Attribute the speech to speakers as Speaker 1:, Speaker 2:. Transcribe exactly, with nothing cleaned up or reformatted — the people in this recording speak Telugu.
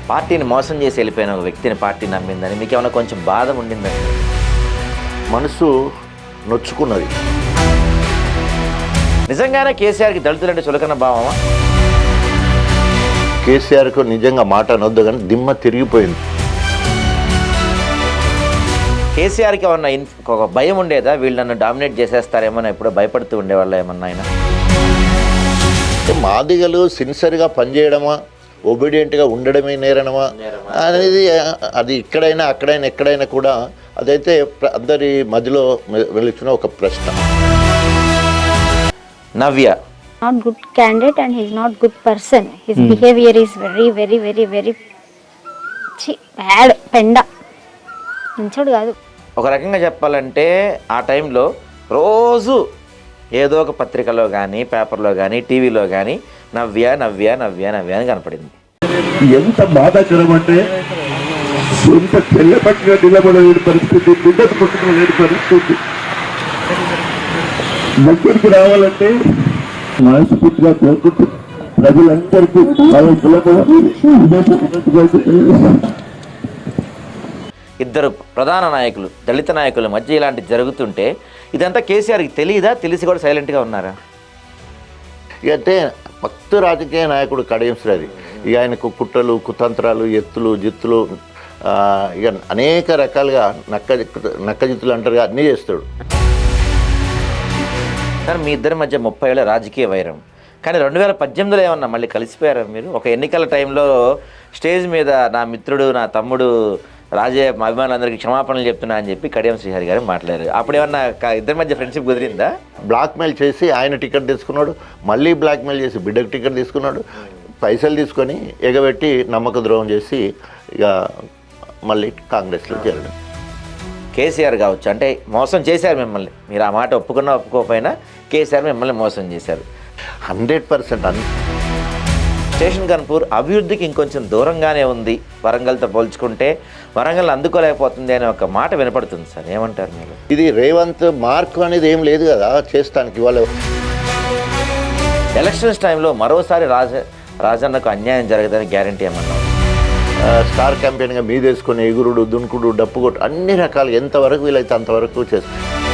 Speaker 1: పార్టీని మోసం చేసి వెళ్ళిపోయిన ఒక వ్యక్తిని పార్టీ నమ్మిందని మీకు ఏమైనా కొంచెం బాధ ఉండిందని?
Speaker 2: మనసు నొచ్చుకున్నది.
Speaker 1: నిజంగానే కేసీఆర్కి దళితులంటే చులకన భావమా?
Speaker 2: కేసీఆర్కు నిజంగా మాట అనొద్దు కానీ దిమ్మ తిరిగిపోయింది.
Speaker 1: కేసీఆర్కి ఏమన్నా ఇన్ ఒక భయం ఉండేదా, వీళ్ళు నన్ను డామినేట్ చేసేస్తారేమో ఎప్పుడో భయపడుతూ ఉండేవాళ్ళు ఏమన్నా ఆయన?
Speaker 2: మాదిగలు సిన్సియర్గా పనిచేయడమా, ఒబీడియంట్గా ఉండడమే నేరనమా అనేది అది ఇక్కడైనా అక్కడైనా ఎక్కడైనా కూడా అదైతే అందరి మధ్యలో వెలుచున్న ఒక ప్రశ్న.
Speaker 1: నవ్య
Speaker 3: not good candidate and he's not good person. His hmm. behavior is very very very very bad. పెండ మంచోడు కాదు.
Speaker 1: ఒక రకంగా చెప్పాలంటే ఆ టైంలో రోజు ఏదో ఒక పత్రికలో కానీ పేపర్లో కానీ టీవీలో కానీ నవ్య నవ్య నవ్య నవ్య అని కనపడింది.
Speaker 4: ఎంత బాధాకరం అంటే సొంత చెల్లె పట్టిన నిలబడలేని పరిస్థితి, బిడ్డకు పుట్టుకోలేని పరిస్థితి. దగ్గరికి రావాలంటే మనస్ఫూర్తిగా కోరుకుంటూ ప్రజలందరికీ
Speaker 1: ఇద్దరు ప్రధాన నాయకులు దళిత నాయకుల మధ్య ఇలాంటి జరుగుతుంటే ఇదంతా కేసీఆర్కి తెలియదా? తెలిసి కూడా సైలెంట్గా ఉన్నారా?
Speaker 2: ఇక అంటే భక్తు రాజకీయ నాయకుడు కడియం శ్రీహరి ఇక ఆయనకు కుట్రలు కుతంత్రాలు ఎత్తులు జిత్తులు ఇక అనేక రకాలుగా నక్క నక్క జిత్తులు అంటారు, అన్నీ చేస్తాడు.
Speaker 1: సార్ మీ ఇద్దరి మధ్య ముప్పై ఏళ్ళ రాజకీయ వైరం, కానీ రెండు వేల పద్దెనిమిదిలో ఏమన్నా మళ్ళీ కలిసిపోయారా మీరు? ఒక ఎన్నికల టైంలో స్టేజ్ మీద నా మిత్రుడు నా తమ్ముడు రాజయ్య మా అభిమానులందరికీ క్షమాపణలు చెప్తున్నా అని చెప్పి కడియం శ్రీహరి గారు మాట్లాడారు. అప్పుడు ఏమన్నా ఇద్దరి మధ్య ఫ్రెండ్షిప్ కుదిరిందా?
Speaker 2: బ్లాక్మెయిల్ చేసి ఆయన టికెట్ తీసుకున్నాడు, మళ్ళీ బ్లాక్మెయిల్ చేసి బిడ్డకు టికెట్ తీసుకున్నాడు, పైసలు తీసుకొని ఎగబెట్టి నమ్మక ద్రోహం చేసి ఇక మళ్ళీ కాంగ్రెస్లో చేరడం.
Speaker 1: కేసీఆర్ కావచ్చు అంటే మోసం చేశారు మిమ్మల్ని, మీరు ఆ మాట ఒప్పుకున్నా ఒప్పుకోకపోయినా కేసీఆర్ మిమ్మల్ని మోసం చేశారు.
Speaker 2: హండ్రెడ్ పర్సెంట్ అన్
Speaker 1: స్టేషన్ కన్పూర్ అభివృద్ధికి ఇంకొంచెం దూరంగానే ఉంది వరంగల్తో పోల్చుకుంటే, వరంగల్ అందుకోలేకపోతుంది అనే ఒక మాట వినపడుతుంది సార్, ఏమంటారు మీరు?
Speaker 2: ఇది రేవంత్ మార్క్ అనేది ఏం లేదు కదా చేస్తానికి. వాళ్ళు
Speaker 1: ఎలక్షన్స్ టైంలో మరోసారి రాజ రాజన్నకు అన్యాయం జరగదని గ్యారంటీ ఏమన్నా?
Speaker 2: స్టార్ క్యాంపెయిన్గా మీదేసుకొని ఎగురుడు దున్కుడు డప్పు కొట్టు అన్ని రకాలు ఎంతవరకు వీలైతే అంతవరకు చేస్తారు.